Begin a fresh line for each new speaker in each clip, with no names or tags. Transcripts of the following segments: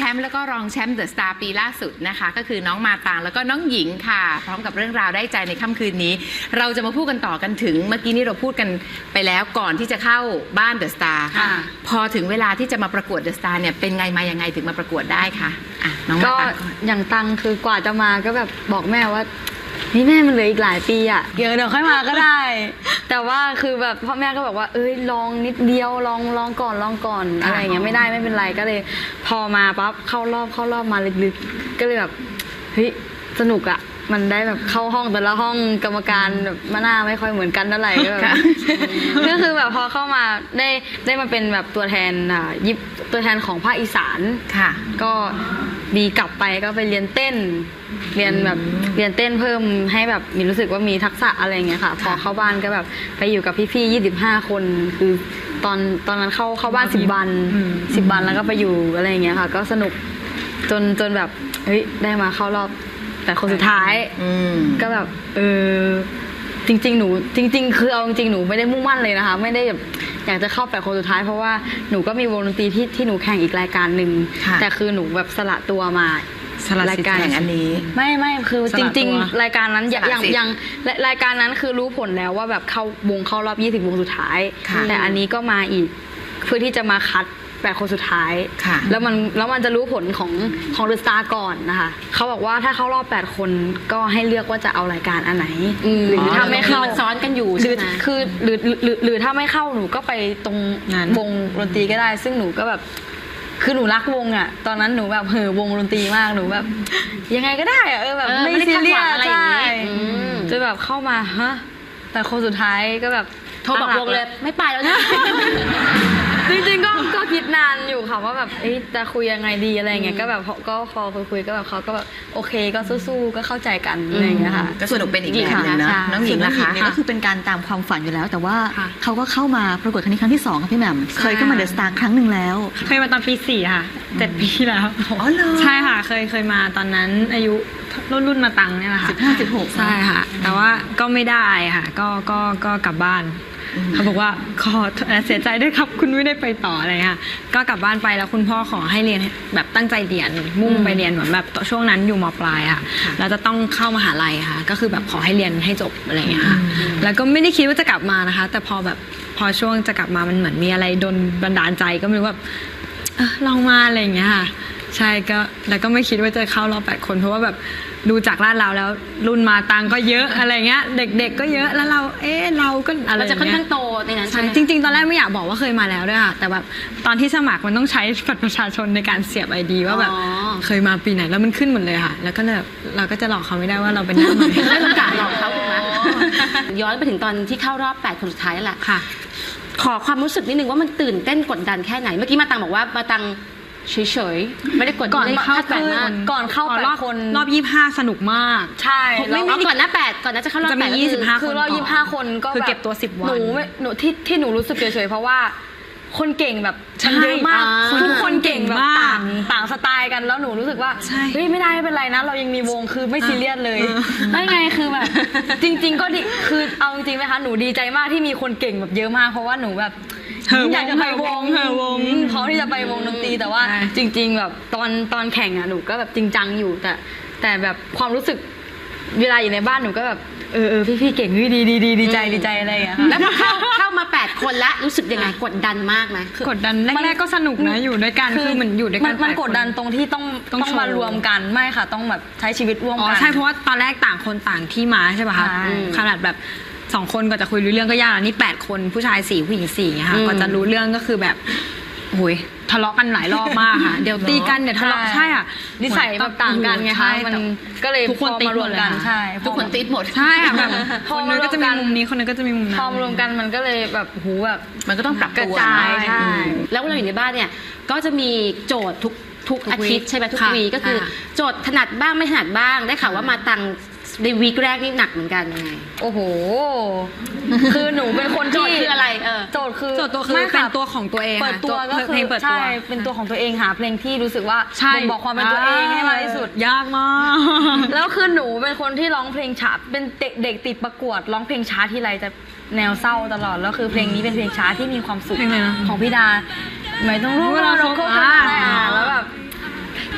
มป์แล้วก็รองแชมป์เดอะสตาร์ปีล่าสุดนะคะก็คือน้องมาตางแล้วก็น้องหญิงค่ะพร้อมกับเรื่องราวได้ใจในค่ำคืนนี้เราจะมาพูดกันต่อกันถึงเมื่อกี้นี้เราพูดกันไปแล้วก่อนที่จะเข้าบ้านเดอะสตาร์พอถึงเวลาที่จะมาประกวดเดอะสตาร์เนี่ยเป็นไงมายังไงถึงมาประกวดได้คะน้องมาตางก่อน
อย่างตังคือกว่าจะมาก็แบบบอกแม่ว่านี่แม่มันเหลืออีกหลายปีอ่ะเดี๋ยวค่อยมาก็ได้ แต่ว่าคือแบบพ่อแม่ก็บอกว่าลองนิดเดียวลองก่อนอะไรอย่างเงี้ยไม่ได้ไม่เป็นไรก็เลยพอมาปั๊บเข้ารอบมาลึกๆก็เลยแบบเฮ้ยสนุกอ่ะมันได้แบบเข้าห้องแต่ละห้องกรรมการแบบหน้าไม่ค่อยเหมือนกันเท่าไหร่ก็คือแบบพอเข้ามาได้มาเป็นแบบตัวแทนตัวแทนของภาคอีสาน
ค่ะ
ก็ดีกลับไปก็ไปเรียนเต้นเรียนเต้นเพิ่มให้แบบมีรู้สึกว่ามีทักษะอะไรเงี้ยค่ะพอเข้าบ้านก็แบบไปอยู่กับพี่ๆ25 คนคือตอนนั้นเข้าบ้าน10 วันแล้วก็ไปอยู่อะไรเงี้ยค่ะก็สนุกจนแบบเฮ้ยได้มาเข้ารอบแต่คนสุดท้ายก็แบบจริงๆคือเอาจริงๆหนูไม่ได้มุ่งมั่นเลยนะคะไม่ได้แบบอยากจะเข้า8 คนสุดท้ายเพราะว่าหนูก็มีวงดนตรีที่หนูแข่งอีกรายการหนึ่งแต่คือหนูแบบสละตัวมารายการ
อันนี้
ไม่คือจริงๆรายการนั้นยังรายการนั้นคือรู้ผลแล้วว่าแบบเข้ารอบ20 วงสุดท้ายแต่อันนี้ก็มาอีกเพื่อที่จะมาคัด8 คนสุดท้ายแล้วมันจะรู้ผลของเดอะสตาร์ก่อนนะคะเขาบอกว่าถ้าเข้ารอบ8 คนก็ให้เลือกว่าจะเอารายการอันไหนหรือถ้าไม่เข้า
ซ้อนกันอยู่
คือหรือถ้าไม่เข้าหนูก็ไปตรงวงดนตรีก็ได้ซึ่งหนูก็แบบคือหนูรักวงอ่ะตอนนั้นหนูแบบวงดนตรีมากหนูแบบยังไงก็ได้อ่ะแบบไม่ซีเรียสอะไรอย่างงี้จะแบบเข้ามาแต่คนสุดท้ายก็แบบ
โทรบอกวงเลยไม่ไปแล้วนะ
จริงๆก็คิดนานอยู่ค่ะว่าแบบจะคุยยังไงดีอะไรเงี้ยก็แบบก็พอคุยก็แบบเขาก็แบบโอเคก็สู้ๆก็เข้าใจกันอะไรเงี้ยค่ะ
ก็สนุกเป็นอีกแบบนึงนะน้องหญิงล่ะคะ
ก็คือเป็นการตามความฝันอยู่แล้วแต่ว่าเขาก็เข้ามาประกวดครั้งนี้ครั้งที่2ค่ะพี่แหม่มเคยเข้ามาเดอะสตาร์ครั้งหนึ่งแล้ว
เคยมาตอนปี4ค่ะ7 ปีแล้ว
อ๋อเหรอ
ใช่ค่ะเคยมาตอนนั้นอายุรุ่นมาตังเนี่ยแหละค่ะ
15-16
ใช่ค่ะแต่ว่าก็ไม่ได้ค่ะก็กลับบ้านเขาบอกว่าขอเสียใจด้วยครับคุณไม่ได้ไปต่ออะไรค่ะก็กลับบ้านไปแล้วคุณพ่อขอให้เรียนแบบตั้งใจเรียนมุ่งไปเรียนเหมือนแบบช่วงนั้นอยู่ม.ปลายค่ะแล้วจะต้องเข้ามหาลัยค่ะก็คือแบบขอให้เรียนให้จบอะไรอย่างเงี้ยค่ะแล้วก็ไม่ได้คิดว่าจะกลับมานะคะแต่พอช่วงจะกลับมามันเหมือนมีอะไรโดนบันดาลใจก็ไม่รู้แบบลองมาอะไรอย่างเงี้ยค่ะใช่ก็แล้วก็ไม่คิดว่าจะเข้ารอบ8 คนเพราะว่าแบบดูจากลาดเราแล้วรุ่นมาตังก็เยอะอะไรเงี้ยเด็กๆก็เยอะแล้วเราเราก็อะไร
เราจะค่อนข้างโตในนั้นใช่ไหม
จริงๆตอนแรกไม่อยากบอกว่าเคยมาแล้วด้วยค่ะแต่แบบตอนที่สมัครมันต้องใช้บัตรประชาชนในการเสียบ ID ว่าแบบเคยมาปีไหนแล้วมันขึ้นหมดเลยค่ะแล้วก็เลยเราก็จะหลอกเขาไม่ได้ว่าเราเป็นน้าใหม่
ไม่ต้องการหลอกเขาถูกไหมย้อนไปถึงตอนที่เข้ารอบ8 คนสุดท้ายแหละ
ค่ะ
ขอความรู้สึกนิดนึงว่ามันตื่นเต้นกดดันแค่ไหนเมื่อกี้มาตังบอกว่ามาตังเฉยๆไม่ได้กด
ก่อนเข้า
ก่อนเข้ารอบ
รอบ25สนุกมาก
ใช่
ไม่ก่อนหน้า8ก่อนน่าจะเข้ารอบ
8จะมี25
คือรอบ25 คนก็
คือเก็บตัว10 วัน
หนูที่หนูรู้สึกเฉยๆเพราะว่าคนเก่งแบบเยอะมากทุกคนเก่งแบบต่างสไตล์กันแล้วหนูรู้สึกว่าเฮ้ยไม่ได้ไม่เป็นไรนะเรายังมีวงคือไม่ซีเรียสเลยได้ไงคือแบบจริงๆก็ดีคือเอาจริงไหมคะหนูดีใจมากที่มีคนเก่งแบบเยอะมากเพราะว่าหนูแบบอยากจะไปวงเพราะที่จะไปวงดนตรีแต่ว่าจริงๆแบบตอนแข่งอ่ะหนูก็แบบจริงจังอยู่แต่แบบความรู้สึกเวลาอยู่ในบ้านหนูก็แบบพี่เก่งดีใจอะไรอย่างเงี้ย
แล้วเข้ามา8 คนแล้วรู้สึกยังไงกดดันมากไหม
กดดันแรกๆก็สนุกนะอยู่ด้วยกันคือเหมือนอยู่ด้วยกัน
มันกดดันตรงที่ต้องมารวมกันไม่ค่ะต้องแบบใช้ชีวิตร่วมกัน
ใช่เพราะว่าตอนแรกต่างคนต่างที่มาใช่ป่ะคะขนาดแบบ2 คนก็จะคุยรู้เรื่องก็ยากแล้วนี่8 คนผู้ชาย4ผู้หญิง4ค่ะก็จะรู้เรื่องก็คือแบบโอ้ยทะเลาะกันหลายรอบมากค่ะเดี๋ยวตีกันเดี๋ยวทะเลาะใช่อ่ะ
นิสัยแบบต่างกันไงคะมันก็เลย
ทุกคนตีหมดเลย
ใช่
ทุกคนตีหมด
ใช่ค่ะแบบคนนึงก็จะมีมุมนี้คนนึงก็จะมีมุมนั้น
พอรวมกันมันก็เลยแบบหูแบบ
มันก็ต้องปรับตัว
ใช่
แล้วเราอยู่ในบ้านเนี่ยก็จะมีโจทย์ทุกอาทิตย์ใช่ไหมทุกวีก็คือโจทย์ถนัดบ้างไม่ถนัดบ้างได้ข่าวว่ามาตังในวีคแรกนี่หนักเหมือนกันยังไง
โอ้โหคือหนูเป็นคนที่
โจทย์คืออะไร
โจทย์คือเป็นตัวของตัวเอง
เปิดตัวก็คือใช่เป็นตัวของตัวเองหาเพลงที่รู้สึกว่าบอกความเป็นตัวเองให้มากที่สุด
ยากมาก
แล้วคือหนูเป็นคนที่ร้องเพลงช้าเป็นเด็กติดประกวดร้องเพลงช้าทีไรจะแนวเศร้าตลอดแล้วคือเพลงนี้เป็นเพลงช้าที่มีความสุขของพี่ดาไม่ต้องรู้ว่าเราโคตรแล้วแบบ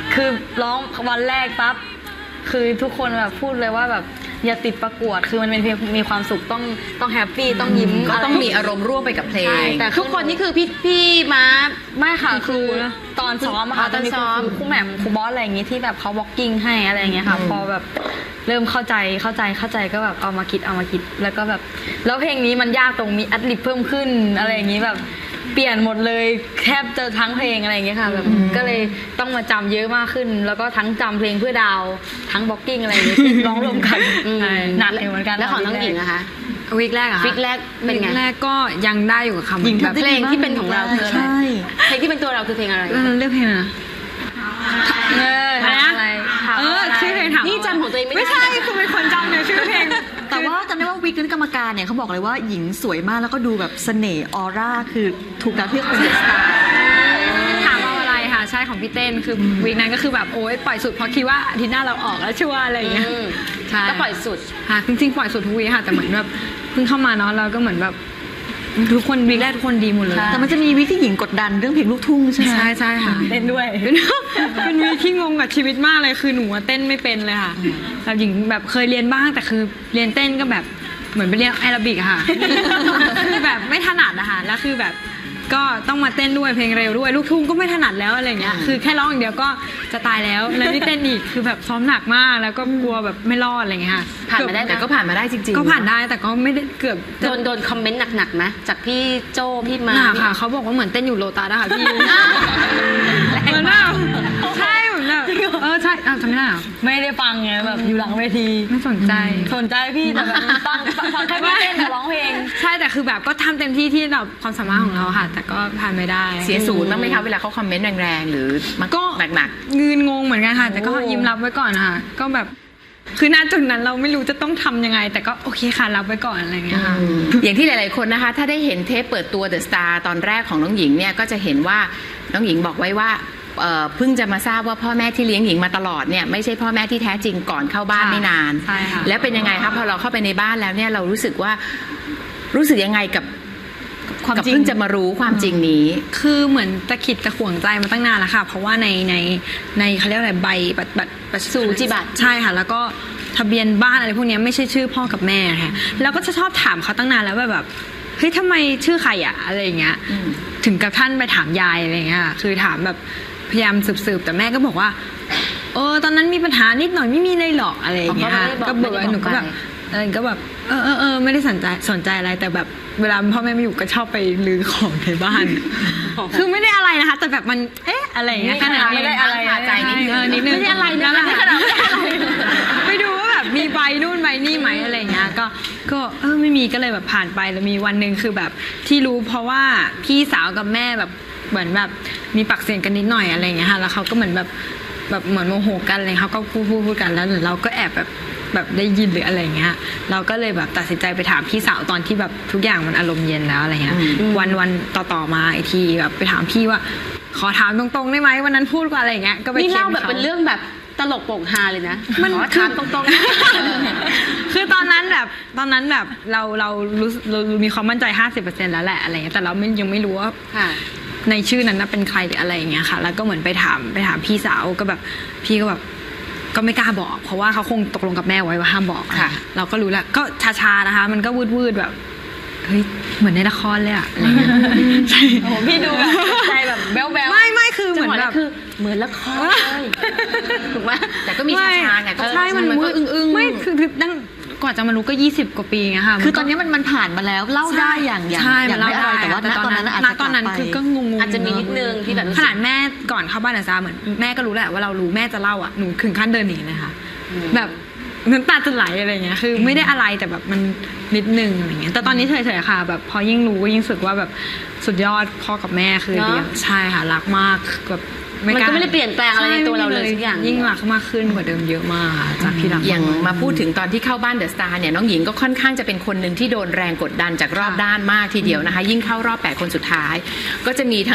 คือร้องวันแรกปั๊บคือทุกคนแบบพูดเลยว่าแบบอย่าติดประกวดคือมันเป็นเพลงมีความสุขต้องแฮปปี้ต้องยิ้ม
ก็ต้องมีอารมณ์ร่วมไปกับเพล
ใช่
ง
แต่
ทุกคนนี่คือพี่ม้า
ไม่ค่ะคือตอนซ้อมอะค่ะ
ตอนซ้อม
ครูแหม่มครูบอสอะไรอย่างงี้ที่แบบเขาบล็อกกิ้งให้อะไรอย่างเงี้ยค่ะพอแบบเริ่มเข้าใจก็แบบเอามาคิดแล้วก็แบบแล้วเพลงนี้มันยากตรงมีอัดลิปเพิ่มขึ้นอะไรอย่างงี้แบบเปลี่ยนหมดเลยแทบจะทั้งเพลงอะไรอย่างเงี้ยค่ะแบบก็เลยต้องมาจำเยอะมากขึ้น แล้วก็ทั้งจำเพลงเพื่อดาวทั้งบล็อกกิ้งอะไรอย่างเงี้ยที่ร้องรวมกันหนักอยู่เหมือนกัน
แล้วของน้องหญิงนะคะ
วีคแรกอะ
วิกแรกเป็นไง
วีคแรกก็ยังได้อยู่กับคำ
หญิง
แบบ
ทำได้
เพลงที่เป็นของเราคืออะไร
ใช่
เพลงที่เป็นตัวเราคือเพลงอะไร
เลือกเพลงอะไรนะ
ถามอะไรถามอะไร
ชื่อเพลงถาม
นี่จำของตัวเองไม่ได้
ไม่ใช่คือเป็นคนจำเนี่ยชื่อเพลง
แต่ว่าจำได้ว่าวิกนั้นกรรมการเนี่ยเขาบอกเลยว่าหญิงสวยมากแล้วก็ดูแบบเสน่ห์ออร่าคือถูกแล้วที่เป็นเดอะสตาร์
ถามเอาอะไรค่ะใช่ของพี่เต้นคือวีคนั้นก็คือแบบโอ๊ยปล่อยสุดเพราะคิดว่าอาทิตย์หน้าเราออกแล้วชัวร์อะไรอย่างเงี้ย
อืม
ใช่
ก็ปล่อยสุด
ค่ะจริงๆปล่อยสุดทุกวีคค่ะแต่เหมือนแบบเพิ่งเข้ามาเนาะเราก็เหมือนแบบทุกคนวีคแรกทุกคนดีหมดเลย
แต่มันจะมีวิกที่หญิงกดดันเรื่องเพลงลูกทุ่งใช่ไหม
ใช่ค่ะ
เล่นด้วย
เป็นวีคที่งงกับชีวิตมากเลยคือหนูอะเต้นไม่เป็นเลยค่ะแบบหญิงแบบเคยเรียนบ้างแต่คือเรียนเต้นก็แบบเหมือนไปเรียนแอโรบิกอะค่ะ คือแบบไม่ถนัดอะค่ะแล้วคือแบบก็ต้องมาเต้นด้วยเพลงเร็วด้วยลูกทุ่งก็ไม่ถนัดแล้วอะไรเงี้ยคือแค่ร้องอย่างเดียวก็จะตายแล้วแล้วนี่เต้นอีกคือแบบซ้อมหนักมากแล้วก็กลัวแบบไม่รอดอะไรเงี้ยค่ะ
ผ่านมาได้
แต่ก็ผ่านมาได้จริงๆ
ก็ผ่านได้แต่ก็ไม่ได้เกือบจะ
โดนคอมเมนต์หนักๆไหมจากพี่โจพี่มา
หนักค่ะเขาบอกว่าเหมือนเต้นอยู่โลตัสอะค่ะพี่เหมือนแบบใช่เหมือนแบบใช่จำไม่ได้เหรอ
ไม่ได้ฟังไงแบบอยู่หลังเวที
ไม่สนใจ
สนใจพี่แต่แบบฟังแค่พี่เต้นกับร้องเพลง
ใช่แต่คือแบบก็ทำเต็มที่ที่เราความสามารถของเราค่ะ แต่ก็ผ่านไม่ได้
เสียศูนย์บ้างไหมคะเวลาเขาคอมเมนต์แรงๆหรือมัน
ก็
หนัก
เงินงงเหมือนกันค่ะ แต่ก็ยิ้มรับไว้ก่อนนะคะก็แบบคือณจุดนั้นเราไม่รู้จะต้องทำยังไง แต่ก็โอเคค่ะรับไว้ก่อนอะไรอย่างเงี้ยค่ะ
อย่างที่หลายๆคนนะคะ ถ้าได้เห็นเทปเปิดตัว The Star ตอนแรกของน้องหญิงเนี่ยก็จะเห็นว่าน้องหญิงบอกไว้ว่าเพิ่งจะมาทราบว่าพ่อแม่ที่เลี้ยงหญิงมาตลอดเนี่ยไม่ใช่พ่อแม่ที่แท้จริงก่อนเข้าบ้าน
ค่ะ
ไม่นาน
ใช่ค่ะ
แล้วเป็นยังไงคะพอเราเข้าไปในบ้านแล้วเนี่ยเรารู้สึกยังไงกับ
ความ
กับ
จริง
เพิ่งจะมารู้ความจริงนี้
คือเหมือนตะขิดตะขวงใจมาตั้งนานแล้วค่ะ เพราะว่าในเขาเรียกอะไรใบบัตร
สูจิบัตร
ใช่ค่ะ แล้วก็ทะเบียนบ้านอะไรพวกเนี้ยไม่ใช่ชื่อพ่อกับแม่ค่ะแล้วก็จะชอบถามเขาตั้งนานแล้วว่าแบบเฮ้ยทำไมชื่อใครอะอะไรอย่างเงี้ยถึงกับท่านไปถามยายอะไรอย่างเงี้ยคือถามแบบพยายามสืบแต่แม่ก็บอกว่าตอนนั้นมีปัญหานิดหน่อยไม่มีเลยหรอกอะไรอย่างเงี้ยค่ะก็บอกว่าหนูก็แบบก็แบบไม่ได้สนใจอะไรแต่แบบเวลาพ่อแม่ไม่อยู่ก็ชอบไปลื้อของในบ้าน คือไม่ได้อะไรนะคะ แต่แบบมันอะไรอย่างเงี้ยขนาด
ไม่ได้อะไร
คาใจนิดนึง
นิดนึง
ไม่ได้อะไรนะ
แล้ว
ไม่ได้ขนาดไม่ได้อะไร
ไปดูว่าแบบมีใบนู่นใบนี่ไหมอะไรอย่างเงี้ยก็ไม่มีก็เลยแบบผ่านไปแล้วมีวันหนึ่งคือแบบที่รู้เพราะว่าพี่สาวกับแม่แบบเหมือนแบบมีปากเสียงกันนิดหน่อยอะไรอย่างเงี้ยค่ะแล้วเขาก็เหมือนแบบเหมือนโมโหกันอะไรเขาก็พูดกันแล้วเราก็แอบแบบได้ยินหรืออะไรอย่างเงี้ยเราก็เลยแบบตัดสินใจไปถามพี่สาวตอนที่แบบทุกอย่างมันอารมณ์เย็นแล้วอะไรเงี้ยวันต่อมาอีกทีแบบไปถามพี่ว่าขอถามตรงๆได้ไหมวันนั้นพูดว่าอะไรอย่างเงี้ยก็ไป
นี่
เค้
เล่าน แบบ
เขา
เป็นเรื่องแบบตลกโปกฮาเลยนะ
มัน
ขอถามตรงๆ
คือตอนนั้นแบบเรามีความมั่นใจ 50% แล้วแหละอะไรเงี้ยแต่เรายังไม่รู้ว่า
ค่ะ
ในชื่อนั้นเป็นใครหรืออะไรอย่างเงี้ยค่ะ แล้วก็เหมือนไปถามพี่สาวก็แบบพี่ก็แบบก็ไม่กล้าบอก เพราะว่าเขาคงตกลงกับแม่ไว้ว่าห้ามบอก
ค่ะ
เราก็รู้แล้วก็ชาๆนะคะ มันก็วืดแบบเฮ้ยเหมือนในละครเลยอะอะไรเงี้ยใช่
โอ้โหพี่ดูแบบใจแบบแบ๊วๆ
ไม่คือเห
จั
มื
ง
อ
หวะ
นแบ
นั้น
บ
คือเหมือนละครเลยถูกไหม
แต่ก็มีชาๆไงก็
ใช่มัน
ก็อึ้งๆ
ไม่คือนั่งกว่าจะมารู้ก็20 กว่าปีไงค่ะ
คือตอนนี้มันผ่านมาแล้วเล่าได้อย่าง
ใช่
อย่างไม่อะไรแต่ว่าณตอนนั้นอาจจะ
ตอนนั้น
กลับไป
คือก็งงๆ
อาจจะมีนิดนึงที่แบบรู้สึก
ขนาดแม่ก่อนเข้าบ้านอาซาเหมือนแม่ก็รู้แหละว่าเรารู้แม่จะเล่าอ่ะหนูถึงขั้นเดินหนีเลยค่ะแบบน้ำตาจะไหลอะไรเงี้ยคือไม่ได้อะไรแต่แบบมันนิดนึงอะไรเงี้ยแต่ตอนนี้เฉยๆค่ะแบบพอยิ่งรู้ก็ยิ่งรู้สึกว่าแบบสุดยอดพ่อกับแม่คือ
เนอะ
เลี้ยงใช่ค่ะรักมากแบบ
มันก็ไม่ได้เปลี่ยนแปลงอะไรในตัวเราเลยสักอย่าง
ยิ่งรักมากขึ้นกว่าเดิมเยอะมากค่ะจากที่รัก
อย่างมาพูดถึงตอนที่เข้าบ้านเดอะสตาร์เนี่ยน้องหญิงก็ค่อนข้างจะเป็นคนหนึ่งที่โดนแรงกดดันจากรอบด้านมากทีเดียวนะคะ ยิ่งเข้ารอบ8คนสุดท้าย ก็จะมีทั้ง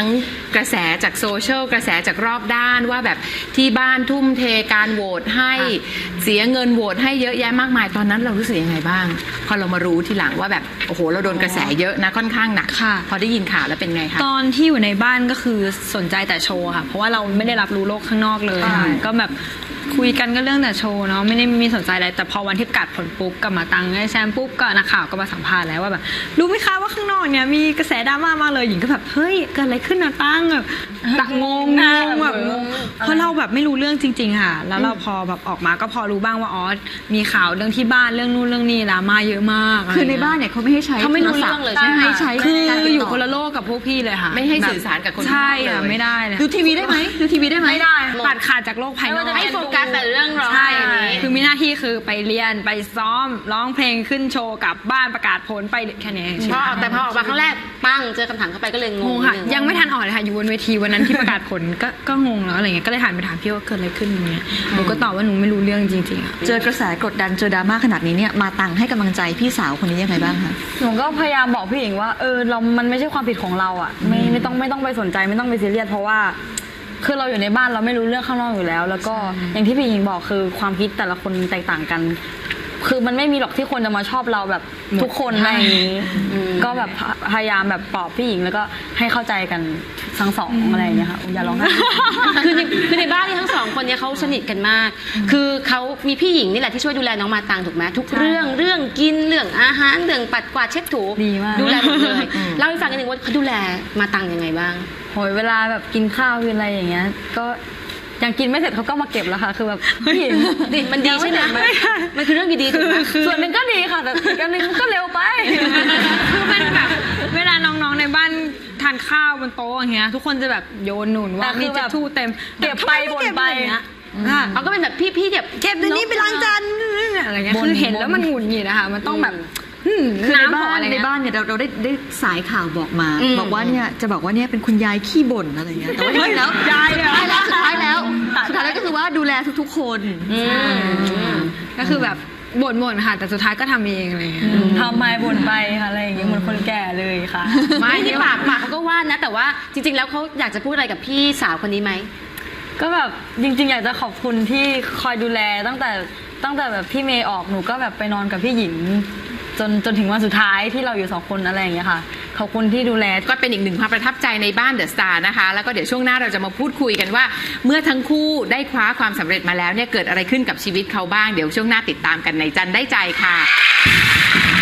กระแสจากโซเชียลกระแสจากรอบด้านว่าแบบที่บ้านทุ่มเทการโหวตให้เสียเงินโหวตให้เยอะแยะมากมายตอนนั้นเรารู้สึกยังไงบ้างพอเรามารู้ทีหลังว่าแบบโอ้โหเราโดนกระแสเยอะนะค่อนข้างหนัก
ค่ะ
พอได้ยินข่าวแล้วเป็นไงคะ
ตอนที่อยู่ในบ้านก็คือสนใจแต่โชว์ค่ะ เพราะว่าเราไม่ได้รับรู้โลกข้างนอกเลยค่ะก็แบบคุยกันก็เรื่องแต่โชว์เนาะไม่ได้มีสนใจอะไรแต่พอวันที่ประกาศผลปุ๊บกลับมาตังได้แชมป์ปุ๊บก็นักข่าวก็มาสัมภาษณ์แล้วว่าแบบรู้ไหมคะว่าข้างนอกเนี่ยมีกระแสดราม่ามากเลยหญิงก็แบบเฮ้ยเกิดอะไรขึ้นนะตั้งแบบงงแบบงงเพราะเราแบบไม่รู้เรื่องจริงๆค่ะแล้วเราพอแบบออกมาก็พอรู้บ้างว่าอ๋อมีข่าวเรื่องที่บ้านเรื่องนู่นเรื่องนี้ดราม่าเยอะมาก
คือในบ้านเนี่ยเขาไม่ให้ใช้
เขาไม่รู้เรื่องเลย
โทศัพท์
ใช่ไหม
ไม่ให้ใช้
คือ
การติด
อยู่
ต่
คนละโลกกับพวกพี่เลยค่ะ
ไม่ให้สื่อสารกับคนข้างนอก
ใช่ค่ะ
เลย
ไม่ได้เลย
ดูทีวีได้ไหมดูทีวีได้ไหม
ไม่ได้ตัดขาดจากโลกภายนอก
ให้โฟกัสแต่เรื่องร้อง
ใช่
ไห้นี้
คือมีหน้าที่คือไปเรียนไปซ้อมร้องเพลงขึ้นโชว์กลับบ้านประกาศผลไปแค่นี้
แต่พอออกมาครั้งแรกปั้งเจอคำถามเข้าไปก็เลยง
ง
ง
งค่ะ
นิดนึ
ยังไม่ทันออกเลยค่ะอยู่บนเวทีวันนั้นที่ประกาศผลก็งงแล้วอะไรเงี้ยก็เลยหันไปถามพี่ว่าเกิดอะไรขึ้นอย่างเงี้ยหนูก็ตอบว่าหนูไม่รู้เรื่องจริงๆอะ
เจอกระแสกดดันเจอดราม่าขนาดนี้เนี่ยมาตังให้กำลังใจพี่สาวคนนี้ยังไงบ้างคะ
หนูก็พยายามบอกพี่หญิงว่ามันไม่ใช่ความผิดของเราอ่ะไม่ต้องไปสนใจไม่ต้องไปซีเรียสเพราะว่าคือเราอยู่ในบ้านเราไม่รู้เรื่องข้างนอกอยู่แล้ว แล้วก็อย่างที่พี่หญิงบอกคือความคิดแต่ละคนแตกต่างกัน คือมันไม่มีหรอกที่คนจะมาชอบเราแบบทุกคนอะไรอย่างนี้ก็แบบพยายามแบบปลอบพี่หญิงแล้วก็ให้เข้าใจกันทั้งสองอะไรอย่างเงี้ยค่ะอย่าร้องไห้
คือในบ้านนี่ทั้งสองคนเนี่ยเขาสนิทกันมาก คือเขามีพี่หญิงนี่แหละที่ช่วยดูแลน้องมาตังถูกไหมทุกเรื่องกินเรื่องอาหารเรื่องปัดกวาดเช็ดถู
ดีมาก
ดูแลหมดเลยเล่าให้ฟังกันหนึ่งว่าเขาดูแลมาตังยังไงบ้าง
โหยเวลาแบบกินข้าวกินอะไรอย่างเงี้ยก็ยังกินไม่เสร็จเขาก็มาเก็บแล้วค่ะคือแบบพี่หญิง
มันดีใช่ไหมมันคือเรื่องดีๆถูกไหม
ส่วนหนึ่งก็ดีค่ะแต่อีกอันหนึงก็เร็วไป
คือมันแบบเวลาน้องๆในบ้านทานข้าวบนโต๊ะอย่างเงี้ยทุกคนจะแบบโยนหนุนว่า
แต่คือ
มี
แบบ
จะทู่เต็ม
เก็บไปบ่นไป
เขาก็เป็นแบบพี่เก็บ
เก็บเดี๋ยวนี้ไปล้างจานอะไรเงี้ยคือเห็นแล้วมันหงุดหงิดนะคะมันต้องแบบ
คือใน
น้ำขอ
บ้าน
อะไร
ใน
เงี้ย
บ้านเนี่ยเราได้สายข่าวบอกมา บอกว่าเนี่ยจะบอกว่าเนี่ยเป็นคุณยายขี้บ่นอะไรเงี้ยแต่ว่าจริงๆแล้ว
ยายเหรอ
สุดท้ายแล้วก็คือว่าดูแลทุกๆคน
ก็คือแบบบ่นๆค่ะแต่สุดท้ายก็ทำเองอะไรเงี้ย
ทำไมบ่นไปค่ะอะไรอย่างเงี้ยเหมือนคนแก่เลยค่ะ
ไม่ที่ปากเขาก็ว่านะ แต่ว่าจริงๆแล้วเขาอยากจะพูดอะไรกับพี่สาวคนนี้ไหม
ก็แบบจริงๆอยากจะขอบคุณที่คอยดูแลตั้งแต่แบบพี่เมย์ออกหนูก็แบบไปนอนกับพี่หญิงจนถึงวันสุดท้ายที่เราอยู่สองคนอะไรอย่างเงี้ยค่ะขอบคุณที่ดูแล
ก็เป็นอีกหนึ่งความประทับใจในบ้านเดอะสตาร์นะคะแล้วก็เดี๋ยวช่วงหน้าเราจะมาพูดคุยกันว่า เมื่อทั้งคู่ได้คว้าความสำเร็จมาแล้วเนี่ยเกิดอะไรขึ้นกับชีวิตเขาบ้างเดี๋ยวช่วงหน้าติดตามกันในจันได้ใจค่ะ